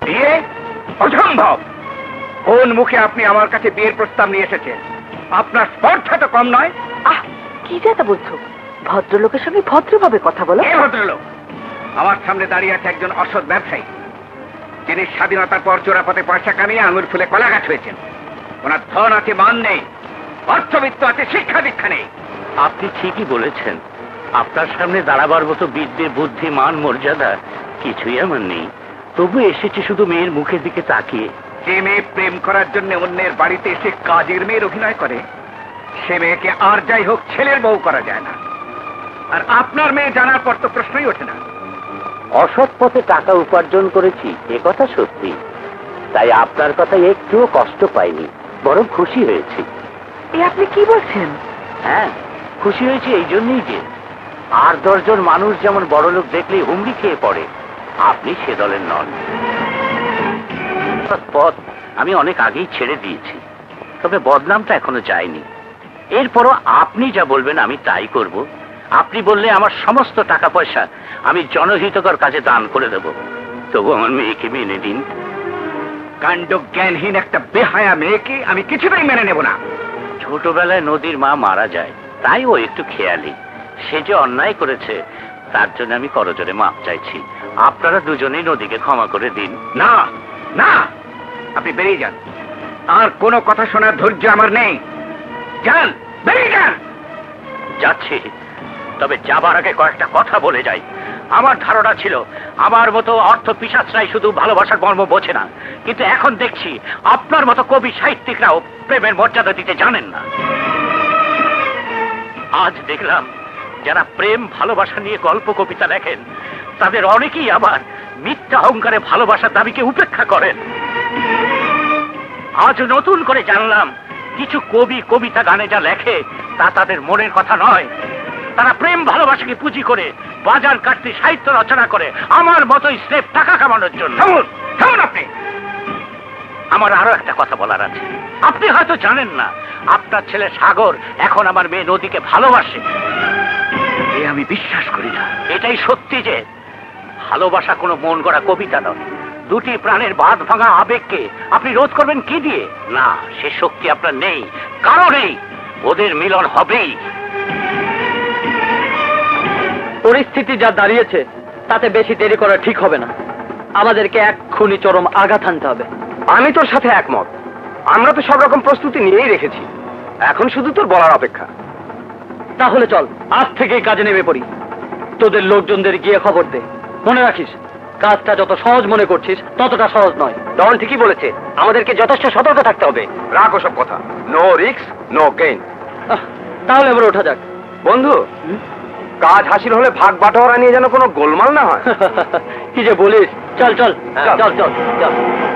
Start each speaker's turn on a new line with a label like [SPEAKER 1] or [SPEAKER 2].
[SPEAKER 1] বিয়ে অসম্ভব। কোন মুখে আপনি আমার কাছে বিয়ের প্রস্তাব নিয়ে এসেছেন? আপনার স্পর্ধা তো কম নয়।
[SPEAKER 2] কি যেটা বলছো? ভদ্রলোকের সঙ্গে ভদ্রভাবে কথা বলো।
[SPEAKER 1] কে ভদ্রলোক? আমার সামনে দাঁড়িয়ে আছে একজন অসৎ ব্যবসায়ী, যিনি স্বাধীনতার পর চোরাপথে পয়সা কামিয়ে আঙুর ফুলে কলাগাছ হয়েছেন। ওনার ধন আছে, মান নেই, অর্থবিত্ত আছে, শিক্ষা দীক্ষা নেই।
[SPEAKER 3] আপনি ঠিকই বলেছেন, আপনার সামনে দাঁড়াবার মতো বিদ্যে, বুদ্ধি, মান, মর্যাদা কিছুই আমার নেই। তবু এসেছি শুধু মেয়ের মুখের দিকে তাকিয়ে।
[SPEAKER 1] যে মেয়ে প্রেম করার জন্য অন্যের বাড়িতে এসে কাজের মেয়ের অভিনয় করে, সে মেয়েকে আর যাই হোক ছেলের বউ করা যায় না। আর আপনার মেয়ে জানার পর তো প্রশ্নই ওঠে না।
[SPEAKER 3] অসৎ পথে টাকা উপার্জন করেছি, এ কথা সত্যি। তাই আপনার কথায় একটুও কষ্ট পাইনি, বরং খুশি হয়েছি।
[SPEAKER 2] এ আপনি কি বলছেন?
[SPEAKER 3] হ্যাঁ, খুশি হয়েছি এই জন্যই যে আর 10 জন মানুষ যেমন বড়লোক দেখলেই হুমড়ি খেয়ে পড়ে, আপনি সে দলের নন। পথ আমি অনেক আগেই ছেড়ে দিয়েছি, তবে বদনামটা এখনো যায়নি। এরপরও আপনি যা বলবেন আমি তাই করব। আপনি বললে আমার সমস্ত টাকা পয়সা আমি জনহিতকর কাজে দান করে দেব। তবু আমার মেয়েকে মেনে দিন।
[SPEAKER 1] কাণ্ড জ্ঞানহীন একটা বেহায়া মেয়েকে আমি কিছুতেই মেনে নেব না।
[SPEAKER 3] ছোটবেলায় নদীর মা মারা যায়, তাই ও একটু খেয়ালি। সে যে অন্যায় করেছে তার জন্য আমি করজোরে মাপ চাইছি। আপনারা দুজনেই নদীকে ক্ষমা করে দিন।
[SPEAKER 1] না না, আপনি বেরিয়ে যান। আর কোনো কথা শোনার ধৈর্য আমার নেই। যান, বেরিয়ে যান।
[SPEAKER 3] যাচ্ছি, তবে যাবার আগে কয়েকটা কথা বলে যাই। আমার ধারণা ছিল আমার মতো অর্থ পিশাচরাই শুধু ভালোবাসার মর্ম বোঝে না, কিন্তু এখন দেখছি আপনার মতো কবি সাহিত্যিকরাও প্রেমের মর্যাদা দিতে জানেন না। আজ দেখলাম যারা প্রেম ভালোবাসা নিয়ে গল্প কবিতা লেখেন তাদের অনেকেই আবার মিথ্যা অহংকারে ভালোবাসার দাবিকে উপেক্ষা করেন। আজ নতুন করে জানলাম কিছু কবি কবিতা গানে যা লেখে তা তাদের মনের কথা নয়। তারা প্রেম ভালোবাসাকে পুঁজি করে বাজার কাটতে সাহিত্য রচনা করে আমার মতোই স্রেফ টাকা কামানোর জন্য।
[SPEAKER 1] থামুন আপনি।
[SPEAKER 3] আমার আরো একটা কথা বলার আছে। আপনি হয়তো জানেন না, আপনার ছেলে সাগর এখন আমার মেয়ে নদীকে ভালোবাসে।
[SPEAKER 1] এ আমি বিশ্বাস করি না।
[SPEAKER 3] এটাই সত্যি যে ভালোবাসা কোনো মন গড়া কবিতা নয়। দুটি প্রাণের বাঁধ ভাঙা আবেগকে আপনি রোধ করবেন কি দিয়ে? না, সে শক্তি আপনার নেই, কারো নেই। ওদের মিলন হবেই।
[SPEAKER 4] পরিস্থিতি যা দাঁড়িয়েছে তাতে বেশি দেরি করা ঠিক হবে না। আমাদেরকে এক্ষুনি চরম আঘাত আনতে হবে।
[SPEAKER 1] আমি তোর সাথে একমত। আমরা তো সব রকম প্রস্তুতি নিয়েই রেখেছি, এখন শুধু তোর বলার অপেক্ষা।
[SPEAKER 4] তাহলে চল আজ থেকেই কাজে নেমে পড়ি। তোদের লোকজনদের গিয়ে খবর দে। মনে রাখিস, কাজটা যত সহজ মনে করছিস ততটা সহজ নয়।
[SPEAKER 1] ডন ঠিকই বলেছে, আমাদেরকে যথেষ্ট সতর্ক থাকতে হবে। রাখ ওসব কথা। No risk no gain.
[SPEAKER 4] তাহলে এবার ওঠা যাক।
[SPEAKER 1] বন্ধু, কাজ হাসিল হলে ভাগ বাটোয়ারা নিয়ে যেন কোনো গোলমাল না হয়।
[SPEAKER 4] কি যে বলিস, চল চল
[SPEAKER 1] চল।
[SPEAKER 4] চল চল চল।